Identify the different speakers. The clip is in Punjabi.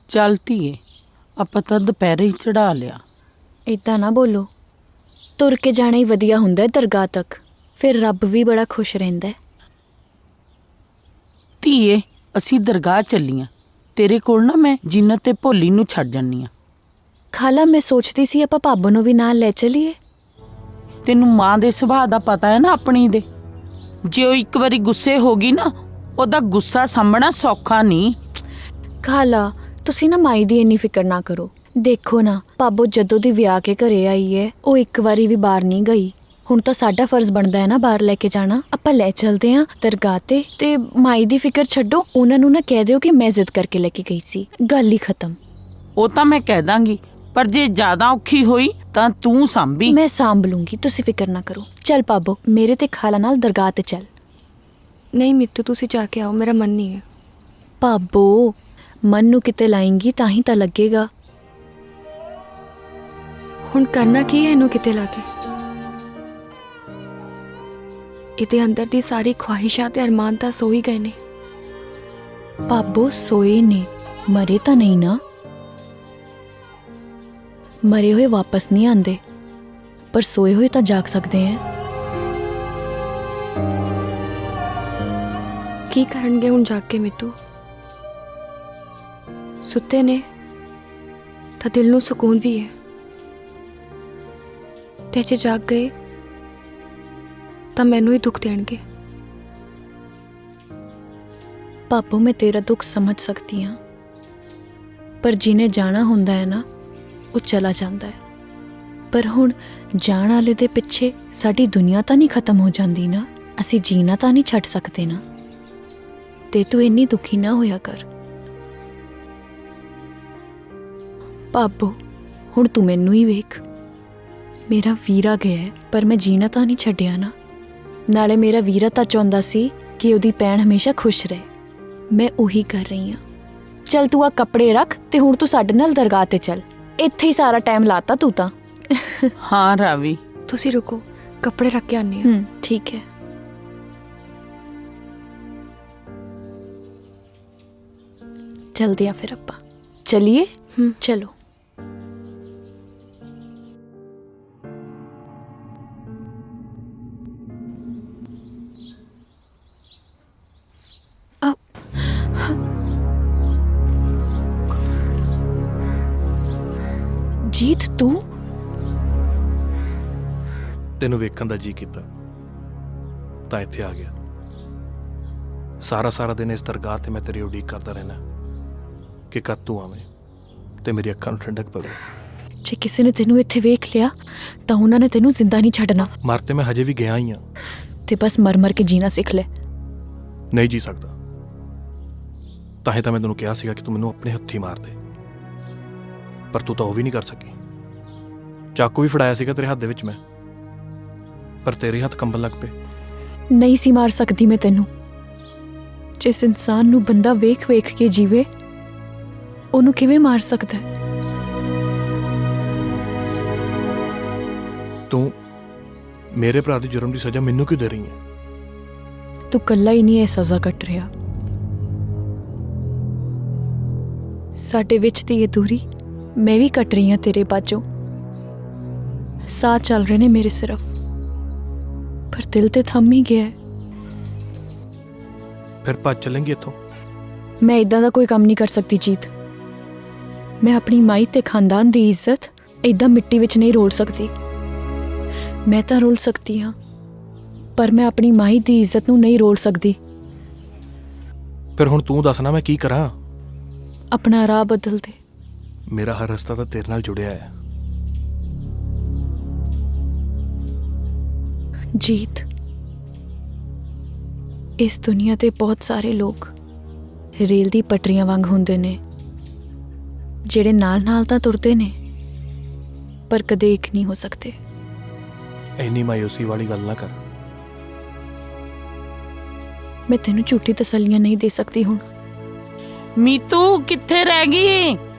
Speaker 1: ਚੱਲ ਧੀਏ, ਆਪਾਂ ਤਾਂ ਦੁਪਹਿਰੇ ਹੀ ਚੜਾ ਲਿਆ।
Speaker 2: ਇੱਦਾਂ ਨਾ ਬੋਲੋ, ਤੁਰ ਕੇ ਜਾਣਾ ਹੀ ਵਧੀਆ ਹੁੰਦਾ ਹੈ ਦਰਗਾਹ ਤੱਕ, ਫਿਰ ਰੱਬ ਵੀ ਬੜਾ ਖੁਸ਼ ਰਹਿੰਦਾ ਹੈ।
Speaker 1: ਧੀਏ, ਅਸੀਂ ਦਰਗਾਹ ਚੱਲੀਆਂ, ਤੇਰੇ ਕੋਲ ਨਾ ਮੈਂ ਜੀਨਤ ਤੇ ਭੋਲੀ ਨੂੰ ਛੱਡ ਜਾਨੀ ਆ।
Speaker 2: ਖਾਲਾ, ਮੈਂ ਸੋਚਦੀ ਸੀ ਆਪਾਂ ਭਾਬੋ ਨੂੰ ਵੀ ਨਾਲ ਲੈ ਚਲੀਏ।
Speaker 1: ਤੈਨੂੰ ਮਾਂ ਦੇ ਸੁਭਾਅ ਦਾ ਪਤਾ ਹੈ ਨਾ ਆਪਣੀ ਦੇ। ਜੇ ਉਹ ਇੱਕ ਵਾਰੀ ਗੁੱਸੇ ਹੋ ਗਈ ਨਾ, ਉਹਦਾ ਗੁੱਸਾ ਸਾਂਭਣਾ ਸੌਖਾ ਨਹੀਂ।
Speaker 2: ਖਾਲਾ, ਤੁਸੀਂ ਨਾ ਮਾਈ ਦੀ ਇੰਨੀ ਫਿਕਰ ਨਾ ਕਰੋ। ਦੇਖੋ ਨਾ, ਭਾਬੋ ਜਦੋਂ ਦੀ ਵਿਆਹ ਕੇ ਘਰੇ ਆਈ ਹੈ, ਉਹ ਇੱਕ ਵਾਰੀ ਵੀ ਬਾਹਰ ਨਹੀਂ ਗਈ। ਹੁਣ ਤਾਂ ਸਾਡਾ ਫਰਜ਼ ਬਣਦਾ ਹੈ ਨਾ ਬਾਹਰ ਲੈ ਕੇ ਜਾਣਾ। ਆਪਾਂ ਲੈ ਚਲਦੇ ਹਾਂ ਦਰਗਾਹ ਤੇ ਮਾਈ ਦੀ ਫਿਕਰ ਛੱਡੋ, ਉਹਨਾਂ ਨੂੰ ਨਾ ਕਹਿ ਦਿਓ ਕਿ ਮੈਂ ਜ਼ਿੱਦ ਕਰਕੇ ਲੈ ਕੇ ਗਈ ਸੀ, ਗੱਲ ਹੀ ਖਤਮ।
Speaker 1: ਉਹ ਤਾਂ ਮੈਂ ਕਹਿ ਦਾਂਗੀ, ਪਰ ਜੇ ਜ਼ਿਆਦਾ ਔਖੀ ਹੋਈ ਤਾਂ ਤੂੰ ਸਾਂਭੀ।
Speaker 2: ਮੈਂ ਸਾਂਭ ਲੂੰਗੀ, ਤੁਸੀਂ ਫਿਕਰ ਨਾ ਕਰੋ। ਚੱਲ ਭਾਬੋ, ਮੇਰੇ ਤੇ ਖਾਲਾ ਨਾਲ ਦਰਗਾਹ ਤੇ ਚੱਲ।
Speaker 3: ਨਹੀਂ ਮਿੱਤੂ, ਤੁਸੀਂ ਜਾ ਕੇ ਆਓ, ਮੇਰਾ ਮਨ ਨਹੀਂ ਹੈ।
Speaker 2: ਭਾਬੋ, ਮਨ ਨੂੰ ਕਿਤੇ ਲਾਏਂਗੀ ਤਾਂ ਹੀ ਤਾਂ ਲੱਗੇਗਾ।
Speaker 3: ਹੁਣ ਕਰਨਾ ਕੀ ਹੈ ਇਹਨੂੰ ਕਿਤੇ ਲਾ ਕੇ? ਇਹਦੇ ਅੰਦਰ ਦੀ ਸਾਰੀ ਖਵਾਹਿਸ਼ਾਂ ਤੇ ਅਰਮਾਨ ਤਾਂ ਸੋ ਹੀ ਗਏ ਨੇ।
Speaker 2: ਭਾਬੋ, ਸੋਏ ਨੇ, ਮਰੇ ਤਾਂ ਨਹੀਂ ਨਾ। ਮਰੇ ਹੋਏ ਵਾਪਸ ਨਹੀਂ ਆਉਂਦੇ, ਪਰ ਸੋਏ ਹੋਏ ਤਾਂ ਜਾਗ ਸਕਦੇ ਹੈ।
Speaker 3: ਕੀ ਕਰਨਗੇ ਹੁਣ ਜਾਗ ਕੇ ਮਿੱਤੂ? ਸੁੱਤੇ ਨੇ ਤਾਂ ਦਿਲ ਨੂੰ ਸਕੂਨ ਵੀ ਹੈ, ਤੇ ਜੇ ਜਾਗ ਗਏ ਤਾਂ ਮੈਨੂੰ ਹੀ ਦੁੱਖ ਦੇਣਗੇ।
Speaker 2: ਭਾਬੋ, ਮੈਂ ਤੇਰਾ ਦੁੱਖ ਸਮਝ ਸਕਦੀ ਹਾਂ, ਪਰ ਜਿਹਨੇ ਜਾਣਾ ਹੁੰਦਾ ਹੈ ਨਾ, ਉਹ ਚਲਾ ਜਾਂਦਾ ਹੈ। ਪਰ ਹੁਣ ਜਾਣ ਵਾਲੇ ਦੇ ਪਿੱਛੇ ਸਾਡੀ ਦੁਨੀਆ ਤਾਂ ਨਹੀਂ ਖਤਮ ਹੋ ਜਾਂਦੀ ਨਾ, ਅਸੀਂ ਜੀਣਾ ਤਾਂ ਨਹੀਂ ਛੱਡ ਸਕਦੇ ਨਾ। ਤੇ ਤੂੰ ਇੰਨੀ ਦੁਖੀ ਨਾ ਹੋਇਆ ਕਰ ਭਾਬੋ। ਹੁਣ ਤੂੰ ਮੈਨੂੰ ਹੀ ਵੇਖ, ਮੇਰਾ ਵੀਰਾ ਗਿਆ ਹੈ, ਪਰ ਮੈਂ ਜੀਣਾ ਤਾਂ ਨਹੀਂ ਛੱਡਿਆ ਨਾ। ਨਾਲੇ ਮੇਰਾ ਵੀਰਾ ਤਾਂ ਚਾਹੁੰਦਾ ਸੀ ਕਿ ਉਹਦੀ ਭੈਣ ਹਮੇਸ਼ਾ ਖੁਸ਼ ਰਹੇ, ਮੈਂ ਉਹੀ ਕਰ ਰਹੀ ਹਾਂ। ਚੱਲ ਤੂੰ ਆ ਕੱਪੜੇ ਰੱਖ ਤੇ ਹੁਣ ਤੂੰ ਸਾਡੇ ਨਾਲ ਦਰਗਾਹ ਤੇ ਚੱਲ। ਇੱਥੇ ਹੀ ਸਾਰਾ ਟਾਈਮ ਲਾਤਾ ਤੂੰ ਤਾਂ।
Speaker 1: ਹਾਂ ਰਾਵੀ,
Speaker 3: ਤੁਸੀਂ ਰੁਕੋ, ਕੱਪੜੇ ਰੱਖ ਕੇ ਆਨੀ ਹਾਂ।
Speaker 2: ਠੀਕ ਹੈ। ਚਲਦੇ ਆ ਫਿਰ ਆਪਾਂ। ਚਲਿਏ। ਚਲੋ। ਜੀਤ, ਤੂੰ?
Speaker 4: ਤੈਨੂੰ ਵੇਖਣ ਦਾ ਜੀ ਕੀਤਾ ਤਾਂ ਇੱਥੇ ਆ ਗਿਆ। ਸਾਰਾ ਦਿਨ ਇਸ ਦਰਗਾਹ ਤੇ ਮੈਂ ਤੇਰੀ ਉਡੀਕ ਕਰਦਾ ਰਹਿਣਾ ਕਿ ਕਦ ਤੂੰ ਆਵੇਂ ਤੇ ਮੇਰੀ ਅੱਖਾਂ ਨੂੰ ਠੰਡਕ ਪਵੇ।
Speaker 2: ਜੇ ਕਿਸੇ ਨੇ ਤੈਨੂੰ ਇੱਥੇ ਵੇਖ ਲਿਆ ਤਾਂ ਉਹਨਾਂ ਨੇ ਤੈਨੂੰ ਜ਼ਿੰਦਾ ਨਹੀਂ ਛੱਡਣਾ।
Speaker 4: ਮਰ ਤੇ ਮੈਂ ਹਜੇ ਵੀ ਗਿਆ ਹੀ ਹਾਂ,
Speaker 2: ਤੇ ਬਸ ਮਰ ਕੇ ਜੀਣਾ ਸਿੱਖ ਲੈ।
Speaker 4: ਨਹੀਂ ਜੀ ਸਕਦਾ, ਤਾਂ ਹੀ ਤਾਂ ਮੈਂ ਤੈਨੂੰ ਕਿਹਾ ਸੀਗਾ ਕਿ ਤੂੰ ਮੈਨੂੰ ਆਪਣੇ ਹੱਥੀਂ ਮਾਰ ਦੇ, ਪਰ ਤੂੰ ਤਾਂ ਉਹ ਵੀ ਨਹੀਂ ਕਰ ਸਕੀ। ਚਾਕੂ ਵੀ ਫੜਾਇਆ ਸੀਗਾ ਤੇਰੇ ਹੱਥ ਦੇ ਵਿੱਚ ਮੈਂ, ਪਰ ਤੇਰੇ ਹੱਥ ਕੰਬਣ ਲੱਗ ਪਏ।
Speaker 2: ਨਹੀਂ ਸੀ ਮਾਰ ਸਕਦੀ ਮੈਂ ਤੈਨੂੰ। ਜਿਸ ਇਨਸਾਨ ਨੂੰ ਬੰਦਾ ਵੇਖ ਕੇ ਜੀਵੇ, ਉਹਨੂੰ ਕਿਵੇਂ ਮਾਰ ਸਕਦਾ ਹੈ?
Speaker 4: ਤੂੰ ਮੇਰੇ ਭਰਾ ਦੇ ਜੁਰਮ ਦੀ ਸਜ਼ਾ ਮੈਨੂੰ ਕਿਉਂ ਦੇ ਰਹੀ ਹੈ?
Speaker 2: ਤੂੰ ਕੱਲਾ ਹੀ ਨਹੀਂ ਇਹ ਸਜ਼ਾ ਕੱਟ ਰਿਹਾ, ਸਾਡੇ ਵਿੱਚ ਦੀ ਇਹ ਦੂਰੀ ਮੈਂ ਵੀ ਕੱਟ ਰਹੀ ਹਾਂ ਤੇਰੇ ਬਾਝੋਂ। ਸਾਹ ਚੱਲ ਰਹੇ ਨੇ ਮੇਰੇ ਸਿਰਫ, ਪਰ ਦਿਲ ਤੇ ਥੰਮ ਹੀ ਗਿਆ ਹੈ।
Speaker 4: ਫਿਰ ਭੱਜ ਚੱਲਾਂਗੀ ਇੱਥੋਂ?
Speaker 2: ਮੈਂ ਇਦਾਂ ਦਾ ਕੋਈ ਕੰਮ ਨਹੀਂ ਕਰ ਸਕਦੀ ਜੀਤ। ਮੈਂ ਆਪਣੀ ਮਾਈ ਤੇ ਖਾਨਦਾਨ ਦੀ ਇੱਜ਼ਤ ਇਦਾਂ ਮਿੱਟੀ ਵਿੱਚ ਨਹੀਂ ਰੋਲ ਸਕਦੀ। ਮੈਂ ਤਾਂ ਰੋਲ ਸਕਦੀ ਹਾਂ, ਪਰ ਮੈਂ ਆਪਣੀ ਮਾਈ ਦੀ ਇੱਜ਼ਤ ਨੂੰ ਨਹੀਂ ਰੋਲ ਸਕਦੀ।
Speaker 4: ਫਿਰ ਹੁਣ ਤੂੰ ਦੱਸਣਾ ਮੈਂ ਕੀ ਕਰਾਂ?
Speaker 2: ਆਪਣਾ ਰਾਹ ਬਦਲ ਦੇ।
Speaker 4: ਮੇਰਾ ਹਰ ਰਸਤਾ ਤਾਂ ਤੇਰੇ ਨਾਲ ਜੁੜਿਆ ਹੈ।
Speaker 2: ਜੀਤ, ਇਸ ਦੁਨੀਆ ਤੇ ਬਹੁਤ ਸਾਰੇ ਲੋਕ ਰੇਲ ਦੀ ਪਟਰੀਆਂ ਵਾਂਗ ਹੁੰਦੇ ਨੇ, ਜਿਹੜੇ ਨਾਲ ਤਾਂ ਤੁਰਦੇ ਨੇ ਪਰ ਕਦੇ ਇੱਕ ਨਹੀਂ ਹੋ ਸਕਦੇ।
Speaker 4: ਇੰਨੀ ਮਾਯੂਸੀ ਵਾਲੀ ਗੱਲ ਨਾ ਕਰ।
Speaker 2: ਮੈਂ ਤੈਨੂੰ ਝੂਠੀ ਤਸੱਲੀਆਂ ਨਹੀਂ ਦੇ ਸਕਦੀ ਹੁਣ।
Speaker 1: ਮੀਤੂ ਕਿੱਥੇ ਰਹਿ ਗਈ?